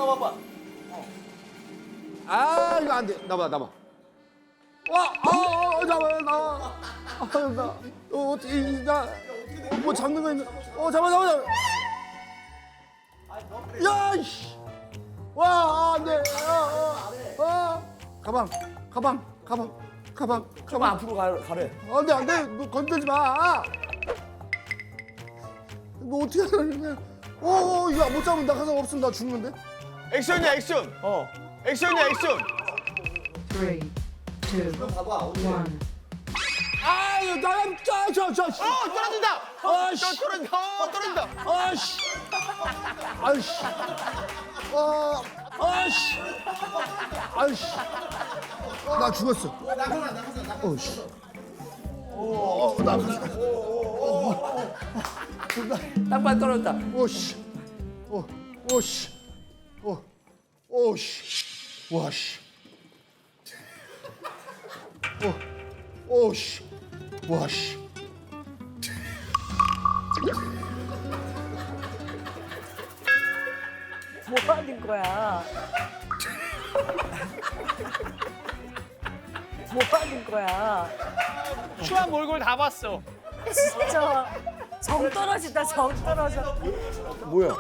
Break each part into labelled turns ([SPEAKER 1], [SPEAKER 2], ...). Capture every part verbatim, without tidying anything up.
[SPEAKER 1] 나와봐.
[SPEAKER 2] 아 이거 안 돼. 나봐 나봐. 와, 아, 아, 나와 나와. 아, 나, 어, 어떻게 나, 뭐 잡는 거 있는? 어, 잡아 잡아 잡아. 야, 이씨. 와, 안 돼. 아, 아, 아. 가방, 가방, 가방, 가방,
[SPEAKER 1] 좀
[SPEAKER 2] 가방.
[SPEAKER 1] 앞으로 가, 가래.
[SPEAKER 2] 안 돼, 안 돼. 너 건들지 마. 뭐 어떻게 하는 거야? 어, 어, 이거 못 잡으면 나 가서 없으면 나 죽는데?
[SPEAKER 3] 액션이야 액션.
[SPEAKER 1] 어.
[SPEAKER 3] 액션이야 액션.
[SPEAKER 4] Three, two, one.
[SPEAKER 2] 아, 이거 나랑 저, 저, 저. 씨.
[SPEAKER 3] 어 떨어진다.
[SPEAKER 2] 아,
[SPEAKER 3] 저
[SPEAKER 2] 씨.
[SPEAKER 3] 떨어진다. 어 떨어진다.
[SPEAKER 2] 아씨. 아이씨. 아, 아씨. 아이씨. 나 죽었어. 어씨. 어, 나
[SPEAKER 1] 땅발 떨어졌다.
[SPEAKER 2] 오씨. 어, 오씨. 어, 오씨. 와씨. 어, 오씨. 와씨.
[SPEAKER 5] 뭐 하는 거야? 뭐 하는 거야?
[SPEAKER 6] 추한 몰골 다 봤어.
[SPEAKER 5] 진짜 정 떨어진다, 정 떨어져.
[SPEAKER 2] 뭐야?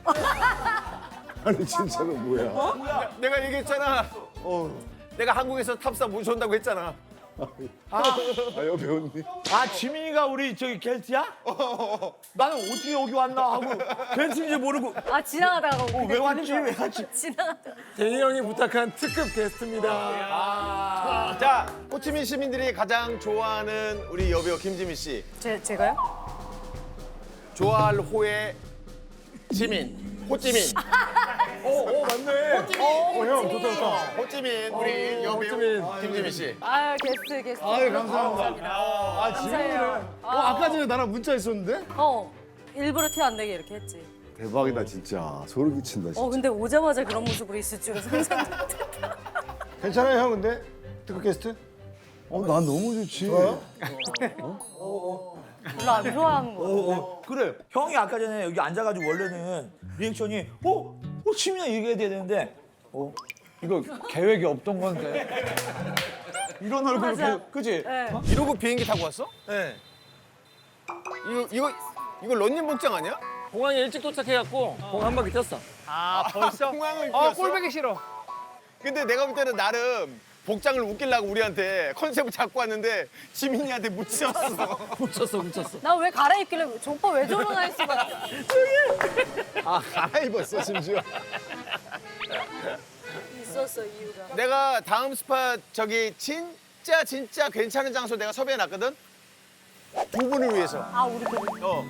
[SPEAKER 2] 아니 진짜로 뭐야?
[SPEAKER 3] 내가 얘기했잖아.
[SPEAKER 2] 어.
[SPEAKER 3] 내가 한국에서 탑사 모셔온다고 했잖아.
[SPEAKER 2] 아, 옆에 언니.
[SPEAKER 1] 아, 지민이가 우리 저기 겔트야? 나는 어떻게 여기 왔나 하고 겔트인지 모르고
[SPEAKER 5] 아, 지나가다가
[SPEAKER 1] 어, 왜 왔지? 왜 왔지?
[SPEAKER 5] 지나가다가.
[SPEAKER 2] 대희 형이 부탁한 특급 게스트입니다.
[SPEAKER 1] 아,
[SPEAKER 3] 자, 호치민 시민들이 가장 좋아하는 우리 여배우 김지민 씨.
[SPEAKER 5] 제, 제가요?
[SPEAKER 3] 좋아할 호의 지민. 호찌민.
[SPEAKER 2] 어, 어 맞네. 어, 형 좋다 좋다.
[SPEAKER 3] 호찌민 우리 여배우 김지민 씨.
[SPEAKER 5] 아, 게스트, 게스트.
[SPEAKER 2] 아유 감사합니다. 아 지민이는.
[SPEAKER 5] 감사해요.
[SPEAKER 2] 어 아까 전에 나랑 문자 있었는데?
[SPEAKER 5] 어, 일부러 티 안 내게 이렇게 했지.
[SPEAKER 2] 대박이다 진짜. 소름 끼친다 진짜.
[SPEAKER 5] 어, 근데 오자마자 그런 모습으로 있을 줄은 상상도 못했다.
[SPEAKER 2] 괜찮아요 형 근데 특급 게스트? 어 난 너무 좋지. 좋아요?
[SPEAKER 5] 별로 안 좋아하는 거.
[SPEAKER 1] 어, 어. 그래. 형이 아까 전에 여기 앉아가지고 원래는 리액션이 어? 어, 지민아 얘기해야 되는데 어? 이거 계획이 없던 건데. 이런 얼굴,
[SPEAKER 5] 맞아.
[SPEAKER 1] 그, 그지?
[SPEAKER 5] 네.
[SPEAKER 3] 이러고 비행기 타고 왔어?
[SPEAKER 1] 네.
[SPEAKER 3] 이거 이거 이거 런닝 복장 아니야?
[SPEAKER 7] 공항에 일찍 도착해갖고 공 한 바퀴 뛰었어.
[SPEAKER 6] 아 벌써?
[SPEAKER 3] 공항을
[SPEAKER 6] 어
[SPEAKER 3] 뛰었어?
[SPEAKER 6] 꼴보기 싫어.
[SPEAKER 3] 근데 내가 볼 때는 나름 복장을 웃기려고 우리한테 컨셉을 잡고 왔는데 지민이한테 묻혔어.
[SPEAKER 7] 묻혔어, 묻혔어.
[SPEAKER 5] 나 왜 갈아입길래 저 오빠 왜 저러나 했어.
[SPEAKER 2] 아 갈아입었어 심지어.
[SPEAKER 5] 있었어, 이유가.
[SPEAKER 3] 내가 다음 스팟 저기 진짜 진짜 괜찮은 장소 내가 섭외해 놨거든. 두 분을 위해서.
[SPEAKER 5] 아, 우리 그
[SPEAKER 3] 어.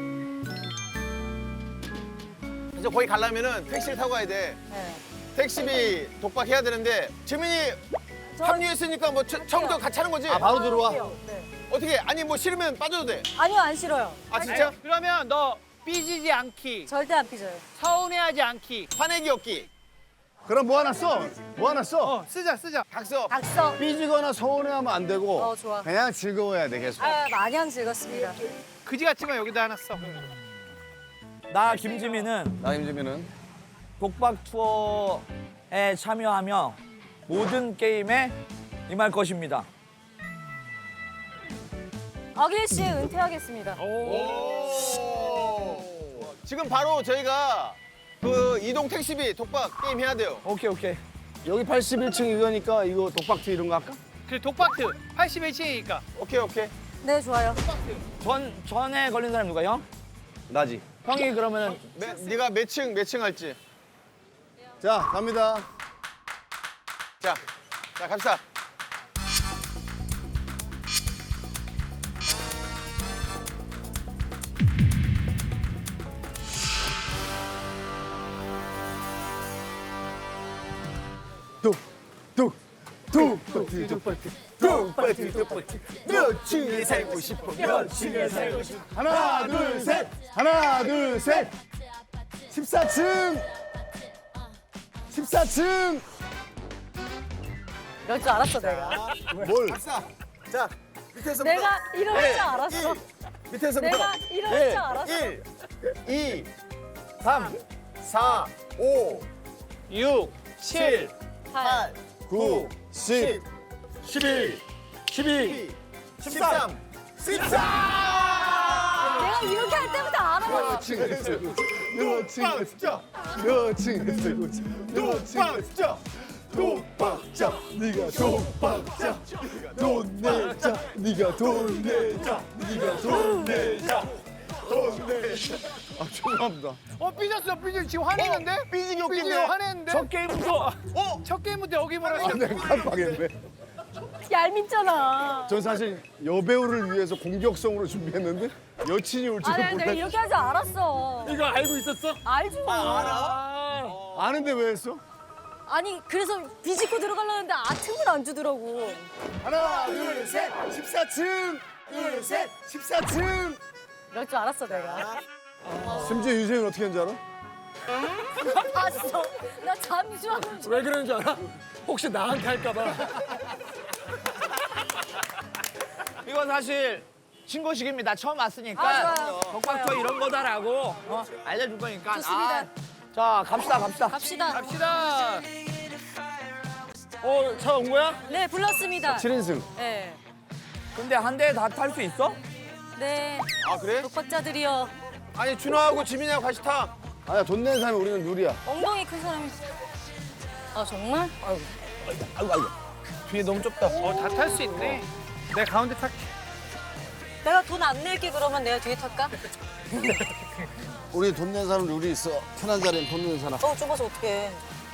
[SPEAKER 3] 그래서 거기 가려면은 택시를 타고 가야 돼.
[SPEAKER 5] 네.
[SPEAKER 3] 택시비 독박해야 되는데 지민이
[SPEAKER 5] 저-
[SPEAKER 3] 합류했으니까 뭐 처- 처음부터 같이 하는 거지?
[SPEAKER 2] 아 바로 들어와.
[SPEAKER 5] 네.
[SPEAKER 3] 어떻게? 아니 뭐 싫으면 빠져도 돼.
[SPEAKER 5] 아니요, 안 싫어요.
[SPEAKER 3] 아 진짜?
[SPEAKER 6] 그러면 너 삐지지 않기,
[SPEAKER 5] 절대 안 삐져요.
[SPEAKER 6] 서운해하지 않기.
[SPEAKER 3] 화내기 없기.
[SPEAKER 2] 그럼 뭐 하나 써? 뭐 하나 써?
[SPEAKER 6] 어 쓰자 쓰자.
[SPEAKER 3] 각서.
[SPEAKER 5] 각서.
[SPEAKER 2] 삐지거나 서운해하면 안 되고.
[SPEAKER 5] 어, 좋아.
[SPEAKER 2] 그냥 즐거워야 돼 계속.
[SPEAKER 5] 아, 마냥 즐겁습니다.
[SPEAKER 6] 그지 같지만 여기다 하나 써.
[SPEAKER 1] 나 김지민은
[SPEAKER 2] 나 임지민은
[SPEAKER 1] 독박 투어에 참여하며 모든 게임에 임할 것입니다.
[SPEAKER 5] 어길 씨 은퇴하겠습니다.
[SPEAKER 3] 오. 지금 바로 저희가 그 이동 택시비 독박 게임 해야 돼요.
[SPEAKER 1] 오케이, 오케이.
[SPEAKER 2] 여기 팔십일 층 이거니까 이거 독박트 이런 거 할까?
[SPEAKER 6] 그 독박트 팔십일 층이니까.
[SPEAKER 3] 오케이 오케이.
[SPEAKER 5] 네, 좋아요.
[SPEAKER 1] 전, 전에 걸린 사람 누가 형?
[SPEAKER 2] 나지.
[SPEAKER 1] 형이 그러면은
[SPEAKER 3] 매, 네가 몇 층 몇 층 할지.
[SPEAKER 2] 자 갑니다.
[SPEAKER 3] 자, 자 갑시다.
[SPEAKER 2] 뚝뚝뚝 독박트 독박트 독박트 몇 층에
[SPEAKER 3] 살고 싶어.
[SPEAKER 2] 몇 층에 살고 싶어. 하나 둘 셋. 하나 둘 셋. 십사 층. 십사 층.
[SPEAKER 5] 이럴 줄 알았어, 내가.
[SPEAKER 2] 뭘?
[SPEAKER 3] 갑시다. 자, 밑에서부터.
[SPEAKER 5] 내가 이럴 줄 알았어.
[SPEAKER 3] 밑에서부터.
[SPEAKER 5] 내가 이럴 줄 알았어.
[SPEAKER 3] 일, 이, 삼, 사, 오,
[SPEAKER 6] 육, 칠,
[SPEAKER 5] 팔.
[SPEAKER 2] 구, 십,
[SPEAKER 7] 십일, 십이,
[SPEAKER 3] 십삼, 십사.
[SPEAKER 5] 내가 이렇게 할 때부터 알아봤어.
[SPEAKER 2] 여친 했어. 여친 했어. 여친 했어.
[SPEAKER 3] 독박자.
[SPEAKER 2] 독박자. 네가 독박자. 돈 내자. 네가 돈 내자. 네가 돈 내자. 돈 내자. 아 죄송합니다.
[SPEAKER 6] 어 삐졌어 삐졌어 지금 화내는데?
[SPEAKER 3] 삐지기
[SPEAKER 6] 삐지기
[SPEAKER 3] 웃긴데.
[SPEAKER 6] 화내는데?
[SPEAKER 7] 첫 게임부터
[SPEAKER 6] 어? 첫 게임부터 여기 뭐라
[SPEAKER 2] 아 내가 깜빡했네.
[SPEAKER 5] 얄밉잖아.
[SPEAKER 2] 전 사실 여배우를 위해서 공격성으로 준비했는데 여친이 올 줄은
[SPEAKER 5] 아니, 내가
[SPEAKER 2] 몰랐.
[SPEAKER 5] 이렇게 할 줄 알았어.
[SPEAKER 7] 이거 알고 있었어?
[SPEAKER 5] 알지 뭐.
[SPEAKER 7] 아,
[SPEAKER 2] 아는데 왜 했어?
[SPEAKER 5] 아니, 그래서 비집고 들어가려는데 아 틈을 안 주더라고.
[SPEAKER 2] 하나, 둘, 셋, 십사 층. 둘, 셋, 십사 층.
[SPEAKER 5] 이럴 줄 알았어, 내가.
[SPEAKER 2] 심지어 유재윤 어떻게 했는지 알아?
[SPEAKER 5] 봤어. 나 잠시만.
[SPEAKER 7] 왜 그러는 줄 알아? 혹시 나한테 할까봐.
[SPEAKER 1] 이건 사실 신고식입니다. 처음 왔으니까
[SPEAKER 5] 아, 좋아요.
[SPEAKER 1] 독박터 이런 거다라고 어, 알려줄 거니까.
[SPEAKER 5] 좋습니다.
[SPEAKER 1] 아, 자, 갑시다, 갑시다.
[SPEAKER 5] 갑시다.
[SPEAKER 6] 갑시다.
[SPEAKER 7] 어, 차 온 거야?
[SPEAKER 5] 네, 불렀습니다.
[SPEAKER 2] 칠 인승.
[SPEAKER 5] 네.
[SPEAKER 1] 근데 한 대에 다 탈 수 있어?
[SPEAKER 5] 네.
[SPEAKER 3] 아 그래?
[SPEAKER 5] 독박자들이여.
[SPEAKER 3] 아니 준호하고 지민이하고 같이 타.
[SPEAKER 2] 아니야 돈 내는 사람이 우리는 누리야.
[SPEAKER 5] 엉덩이 큰 사람이. 아, 정말? 아유.
[SPEAKER 1] 아이고, 아이고. 뒤에 너무 좁다.
[SPEAKER 6] 어 다 탈 수 있네. 내가 가운데 탈게.
[SPEAKER 5] 내가 돈 안 낼게, 그러면 내가 뒤에 탈까?
[SPEAKER 2] 우리 돈 내는 사람 룰이 있어. 편한 자리엔 돈 내는 사람.
[SPEAKER 5] 어, 좁아서 어떡해.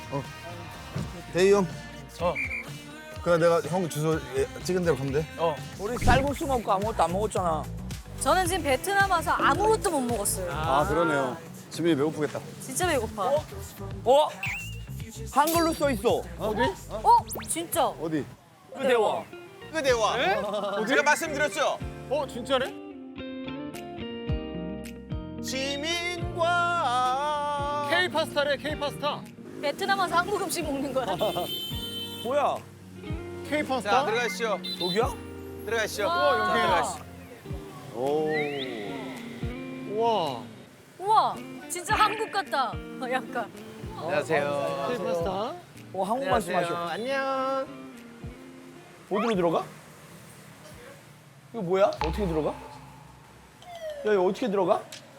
[SPEAKER 2] 대희 형. 어. 그래 내가 형 주소 예, 찍은 대로 가면 돼.
[SPEAKER 1] 어. 우리 쌀국수 먹고 아무것도 안 먹었잖아.
[SPEAKER 5] 저는 지금 베트남 와서 아무것도 못 먹었어요.
[SPEAKER 2] 아 그러네요. 지민이 배고프겠다.
[SPEAKER 5] 진짜 배고파.
[SPEAKER 1] 어? 한글로 써 있어.
[SPEAKER 5] 어? 진짜?
[SPEAKER 2] 어디?
[SPEAKER 1] 그 대화.
[SPEAKER 3] 그 대화. 제가 말씀드렸죠.
[SPEAKER 6] 어 진짜네?
[SPEAKER 3] 지민과
[SPEAKER 7] K 파스타래, K 파스타.
[SPEAKER 5] 베트남 와서 한국 음식 먹는 거야?
[SPEAKER 1] 뭐야?
[SPEAKER 6] K
[SPEAKER 3] 자
[SPEAKER 6] 파스타?
[SPEAKER 3] 들어가시죠.
[SPEAKER 1] 저기야?
[SPEAKER 3] 들어가시죠.
[SPEAKER 5] 와.
[SPEAKER 3] 자, 들어가시죠.
[SPEAKER 2] 오.
[SPEAKER 6] 우와.
[SPEAKER 5] 우와, 진짜 한국 같다. 어, 약간.
[SPEAKER 3] 안녕하세요.
[SPEAKER 6] K 파스타?
[SPEAKER 1] 어, 한국 말씀하셔.
[SPEAKER 3] 안녕.
[SPEAKER 1] 어디로 들어가? 이거 뭐야? 어떻게 들어가? 야, 이거 어떻게 들어가?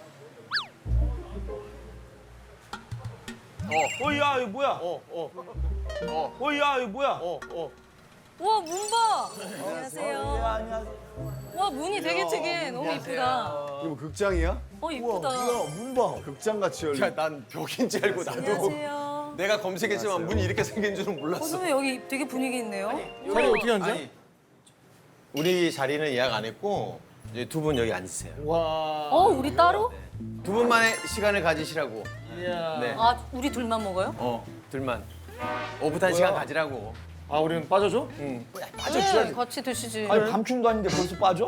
[SPEAKER 1] 어, 어, 야, 이거 뭐야?
[SPEAKER 3] 어, 어,
[SPEAKER 1] 어, 야, 이거 뭐야?
[SPEAKER 3] 어, 어.
[SPEAKER 5] 우와, 문 봐. 안녕하세요.
[SPEAKER 1] 안녕하세요.
[SPEAKER 5] 와, 문이 되게 특이해. 너무 이쁘다.
[SPEAKER 2] 이거 뭐 극장이야?
[SPEAKER 5] 어, 이쁘다.
[SPEAKER 1] 이거 문 봐.
[SPEAKER 2] 극장 같이 열려.
[SPEAKER 3] 야, 난 벽인지 알고 나도
[SPEAKER 5] 안녕하세요.
[SPEAKER 3] 내가 검색했지만 문이 이렇게 생긴 줄은 몰랐어.
[SPEAKER 5] 어쩌면 여기 되게 분위기 있네요.
[SPEAKER 7] 자리 어떻게 앉아?
[SPEAKER 3] 아니, 우리 자리는 예약 안 했고 이제 두 분 여기 앉으세요.
[SPEAKER 5] 어, 우리 따로?
[SPEAKER 3] 두 분만의 시간을 가지시라고.
[SPEAKER 7] 이야.
[SPEAKER 3] 네.
[SPEAKER 5] 아, 우리 둘만 먹어요?
[SPEAKER 3] 어, 둘만. 오붓한 시간 가지라고.
[SPEAKER 7] 아, 우리는 빠져줘?
[SPEAKER 3] 응.
[SPEAKER 5] 네, 같이 드시지.
[SPEAKER 1] 아니, 밤중도 아닌데 벌써 빠져?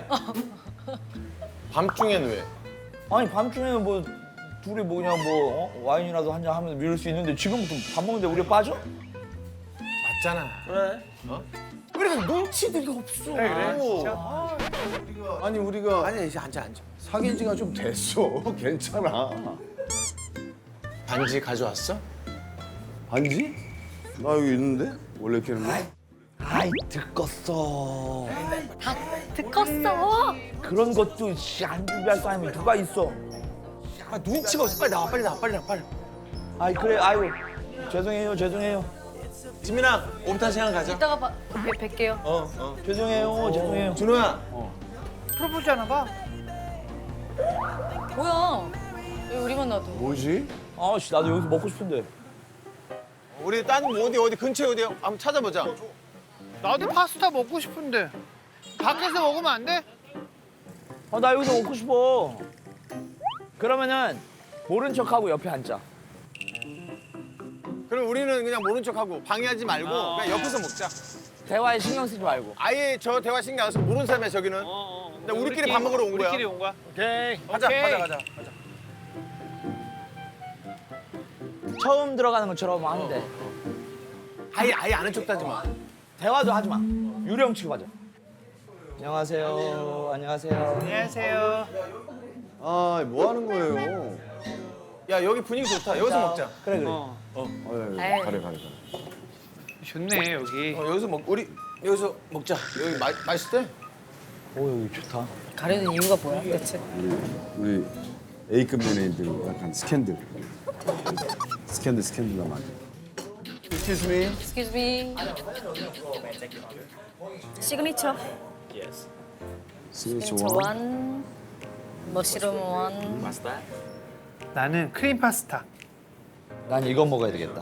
[SPEAKER 3] 밤중엔 왜?
[SPEAKER 1] 아니, 밤중에는 뭐 둘이 뭐 그냥 뭐 어? 와인이라도 한잔 하면서 미룰 수 있는데 지금부터 밥 먹는데 우리 빠져?
[SPEAKER 3] 맞잖아.
[SPEAKER 7] 그래.
[SPEAKER 1] 그러니까 눈치들이 없어.
[SPEAKER 3] 그래, 그래.
[SPEAKER 2] 아니 우리가
[SPEAKER 3] 아니, 이제 앉아, 앉아.
[SPEAKER 2] 사귄 지가 좀 됐어. 괜찮아.
[SPEAKER 3] 반지 가져왔어?
[SPEAKER 2] 반지? 나 여기 있는데? 원래 이렇게 하는 거야?
[SPEAKER 1] 아이, 듣겄어.
[SPEAKER 5] 듣겄어?
[SPEAKER 1] 그런 것도 씨, 안 준비할 사람이 누가 있어?
[SPEAKER 3] 아, 눈치가 없어. 빨리 나와, 빨리 나와, 빨리 나와, 빨리.
[SPEAKER 1] 아이, 그래, 아이고. 죄송해요, 죄송해요.
[SPEAKER 3] 지민아, 오붓한 시간 가자.
[SPEAKER 5] 이따가 봐, 뵐- 뵐게요.
[SPEAKER 3] 어, 어.
[SPEAKER 1] 죄송해요, 죄송해요.
[SPEAKER 3] 준호야.
[SPEAKER 6] 프로포즈 하나 봐.
[SPEAKER 5] 뭐야? 왜 우리만 놔둬?
[SPEAKER 2] 뭐지?
[SPEAKER 1] 아, 씨, 나도 여기서 먹고 싶은데.
[SPEAKER 3] 우리 딴 어디 어디 근처에 어디 한번 찾아보자.
[SPEAKER 6] 나도 파스타 먹고 싶은데. 밖에서 먹으면 안 돼?
[SPEAKER 1] 아, 나 여기서 먹고 싶어. 그러면은 모른 척하고 옆에 앉자.
[SPEAKER 3] 그럼 우리는 그냥 모른 척하고 방해하지 말고 그냥 옆에서 먹자.
[SPEAKER 1] 대화에 신경 쓰지 말고.
[SPEAKER 3] 아예 저 대화 신경 안 써서 모르는 사람이야 저기는. 근데 우리끼리 밥 먹으러 온 거야.
[SPEAKER 6] 우리끼리 온 거야.
[SPEAKER 7] 오케이.
[SPEAKER 3] 가자,
[SPEAKER 6] 오케이.
[SPEAKER 3] 가자, 가자, 가자.
[SPEAKER 1] 처음 들어가는 것처럼 하면 돼.
[SPEAKER 3] 아예 아예 아는 척도 하지 마.
[SPEAKER 1] 대화도 하지 마. 유령 취급하자. 안녕하세요. 안녕하세요.
[SPEAKER 6] 안녕하세요.
[SPEAKER 2] 아, 뭐 하는 거예요?
[SPEAKER 3] 야 여기 분위기 좋다. 여기서 먹자.
[SPEAKER 1] 그래, 그래.
[SPEAKER 6] 어.
[SPEAKER 2] 어, 예,
[SPEAKER 5] 에이.
[SPEAKER 2] 예. 가래 가래 가래.
[SPEAKER 6] 좋네 여기.
[SPEAKER 3] 어, 여기서 먹 우리 여기서 먹자. 여기 마, 맛있대.
[SPEAKER 1] 오 여기 좋다.
[SPEAKER 5] 가려는 이유가 뭐야 대체?
[SPEAKER 2] 우리 A급 연예인들 약간 스캔들. 스캔들 스캔들 많이. Excuse me.
[SPEAKER 5] Excuse me. 시그니처.
[SPEAKER 2] 시그니처
[SPEAKER 5] 시그니처
[SPEAKER 2] 원.
[SPEAKER 5] 원. 머시룸 원.
[SPEAKER 6] 나는 크림 파스타.
[SPEAKER 1] 난 이거 먹어야 되겠다.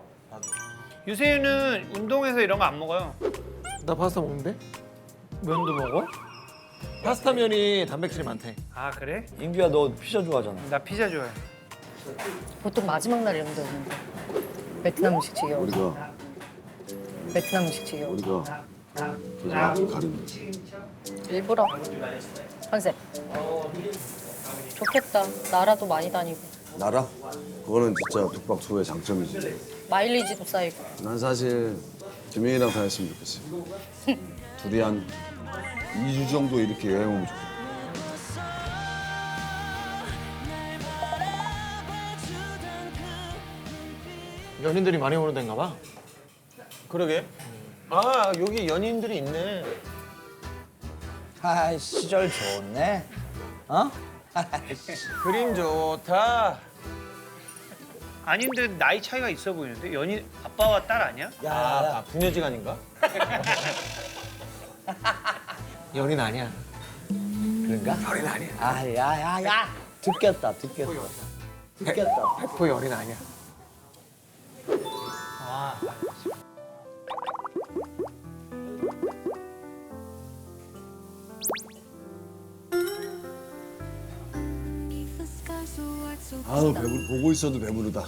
[SPEAKER 6] 유세윤은 운동해서 이런 거 안 먹어요.
[SPEAKER 7] 나 파스타 먹는데?
[SPEAKER 6] 면도 먹어?
[SPEAKER 7] 파스타 면이 단백질이 많대.
[SPEAKER 6] 아 그래?
[SPEAKER 1] 인규야 너 피자 좋아하잖아.
[SPEAKER 6] 나 피자 좋아해.
[SPEAKER 5] 보통 마지막 날 이런 데 오는데. 베트남 음식 지겨워.
[SPEAKER 2] 우리가
[SPEAKER 5] 베트남 음식 지겨워.
[SPEAKER 2] 우리가 그냥 좀 가리는.
[SPEAKER 5] 일부러 컨셉. 좋겠다. 나라도 많이 다니고
[SPEAKER 2] 나라? 그거는 진짜 독박투의 장점이지.
[SPEAKER 5] 마일리지도 쌓이고.
[SPEAKER 2] 난 사실 김영이랑 다녔으면 좋겠어. 둘이 한 이 주 정도 이렇게 여행 오면 좋겠어.
[SPEAKER 7] 연인들이 많이 오는 데인가 봐.
[SPEAKER 3] 그러게. 아 여기 연인들이 있네.
[SPEAKER 1] 아 시절 좋네. 어?
[SPEAKER 3] 그림 좋다.
[SPEAKER 6] 아닌데 나이 차이가 있어 보이는데 연인 아빠와 딸 아니야?
[SPEAKER 1] 야,
[SPEAKER 3] 아, 아 부녀지간인가?
[SPEAKER 7] 연인 아니야.
[SPEAKER 1] 그런가? 어린 아니야. 아, 야, 야, 야. 듣겠다, 듣겠다. 듣겠다.
[SPEAKER 7] 백 퍼센트 연인 아니야.
[SPEAKER 2] 아우 배부 보고 있어도 배부르다.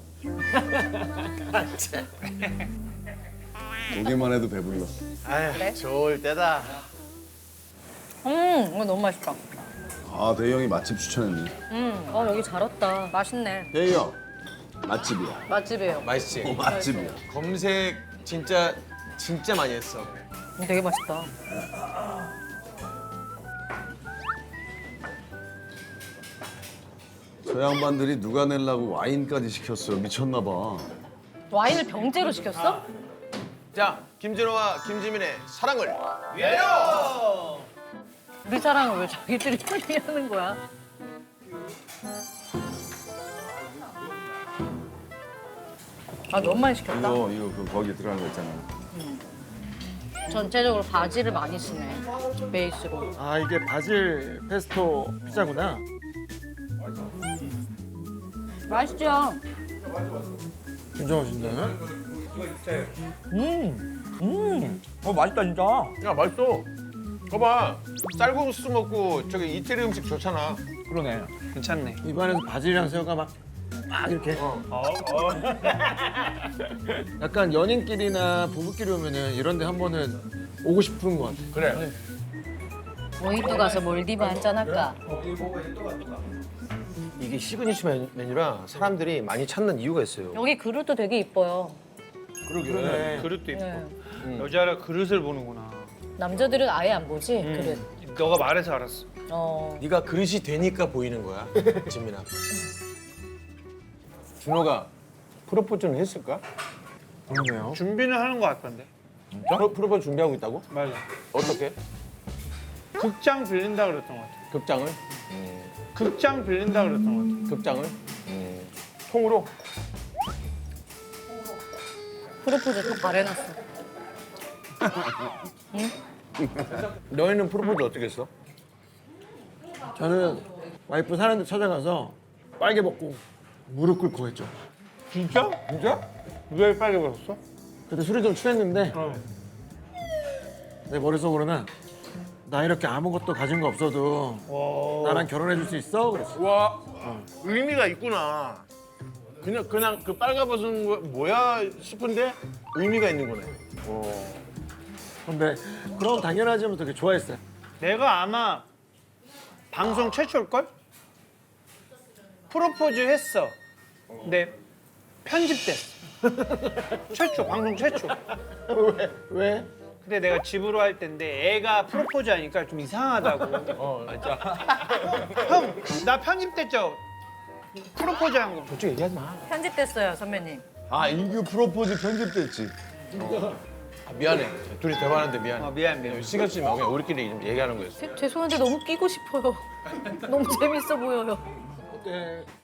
[SPEAKER 2] 보기만 해도 배불러.
[SPEAKER 3] 아휴 좋을 때다.
[SPEAKER 5] 음, 이거 너무 맛있다.
[SPEAKER 2] 아 대희 형이 맛집 추천했네.
[SPEAKER 5] 음, 어 여기 잘 왔다. 맛있네.
[SPEAKER 2] 대희 형 맛집이야.
[SPEAKER 5] 맛집이에요.
[SPEAKER 3] 맛있지?
[SPEAKER 2] 어, 맛집이야.
[SPEAKER 3] 검색 진짜 진짜 많이 했어.
[SPEAKER 5] 음, 되게 맛있다.
[SPEAKER 2] 저 양반들이 누가 내려고 와인까지 시켰어요. 미쳤나 봐.
[SPEAKER 5] 와인을 병째로 시켰어?
[SPEAKER 3] 자 김진호와 김지민의 사랑을
[SPEAKER 5] 우리 사랑을 왜 자기들이 하는 거야? 아 너무 많이 시켰다.
[SPEAKER 2] 이거 이거 그 거기 들어간 거 있잖아.
[SPEAKER 5] 전체적으로 바지를 많이 쓰네. 베이스로.
[SPEAKER 7] 아 이게 바질 페스토 피자구나.
[SPEAKER 5] 맛있죠?
[SPEAKER 7] 진짜 맛있네.
[SPEAKER 1] 음, 어 맛있다 진짜.
[SPEAKER 3] 야 맛있어. 봐봐 쌀국수 먹고 저기 이태리 음식 좋잖아.
[SPEAKER 1] 그러네.
[SPEAKER 6] 괜찮네.
[SPEAKER 7] 입안에서 바질이랑 새우가 막, 막 이렇게. 약간 연인끼리나 부부끼리 오면은 이런 데 한 번은 오고 싶은 것 같아.
[SPEAKER 3] 그래.
[SPEAKER 5] 모히또 가서 몰디브 한잔 할까?
[SPEAKER 3] 이게 시그니처 메- 메뉴라 사람들이 많이 찾는 이유가 있어요.
[SPEAKER 5] 여기 그릇도 되게 이뻐요.
[SPEAKER 7] 그러네.
[SPEAKER 6] 그릇도 있고.
[SPEAKER 5] 네.
[SPEAKER 6] 여자라 그릇을 보는구나.
[SPEAKER 5] 남자들은 아예 안 보지
[SPEAKER 6] 음.
[SPEAKER 5] 그릇.
[SPEAKER 6] 너가 말해서 알았어.
[SPEAKER 5] 어.
[SPEAKER 3] 네가 그릇이 되니까 보이는 거야, 지민아. 준호가 프로포즈는 했을까?
[SPEAKER 7] 그러네요.
[SPEAKER 6] 준비는 하는 거 같던데.
[SPEAKER 3] 프로, 프로포즈 준비하고 있다고?
[SPEAKER 6] 맞아.
[SPEAKER 3] 어떻게?
[SPEAKER 6] 극장 빌린다 그랬던 것 같아.
[SPEAKER 3] 극장을?
[SPEAKER 6] 극장 빌린다 그랬던 것
[SPEAKER 3] 극장을? 통으로?
[SPEAKER 5] 프로포즈 또 바래놨어.
[SPEAKER 3] 너희는 프로포즈 어떻게 했어?
[SPEAKER 7] 저는 와이프 사는 데 찾아가서 빨개 벗고 무릎 꿇고 했죠.
[SPEAKER 6] 같아. 진짜? 진짜? 왜 빨개 벗었어?
[SPEAKER 7] 그때 술이 좀 취했는데
[SPEAKER 6] 어.
[SPEAKER 7] 내 머릿속으로는 나 이렇게 아무것도 가진 거 없어도
[SPEAKER 6] 와.
[SPEAKER 7] 나랑 결혼해 줄 수 있어? 그랬어.
[SPEAKER 3] 와, 의미가 있구나. 그냥 그냥 그 빨가벗은 거 뭐야 싶은데 의미가 있는 거네.
[SPEAKER 7] 근데 그럼 당연하지 하면서 되게 좋아했어요.
[SPEAKER 6] 내가 아마 방송 최초일걸? 프로포즈 했어. 근데 편집됐어. 최초, 방송 최초.
[SPEAKER 7] 왜? 왜?
[SPEAKER 6] 근데 내가 집으로 할 때인데 애가 프로포즈 하니까 좀 이상하다고.
[SPEAKER 3] 어, 진짜.
[SPEAKER 6] 형, 나 편집됐죠? 프로포즈 한 거.
[SPEAKER 3] 솔직히 얘기하지 마.
[SPEAKER 5] 편집됐어요 선배님.
[SPEAKER 2] 아 인규 프로포즈 편집됐지.
[SPEAKER 3] 아, 미안해. 둘이 대화하는데 미안해.
[SPEAKER 1] 아, 미안 미안.
[SPEAKER 3] 신경 쓰지 마. 그냥 우리끼리 좀 얘기하는 거였어.
[SPEAKER 5] 죄- 죄송한데 너무 끼고 싶어요. 너무 재밌어 보여요.
[SPEAKER 7] 어때?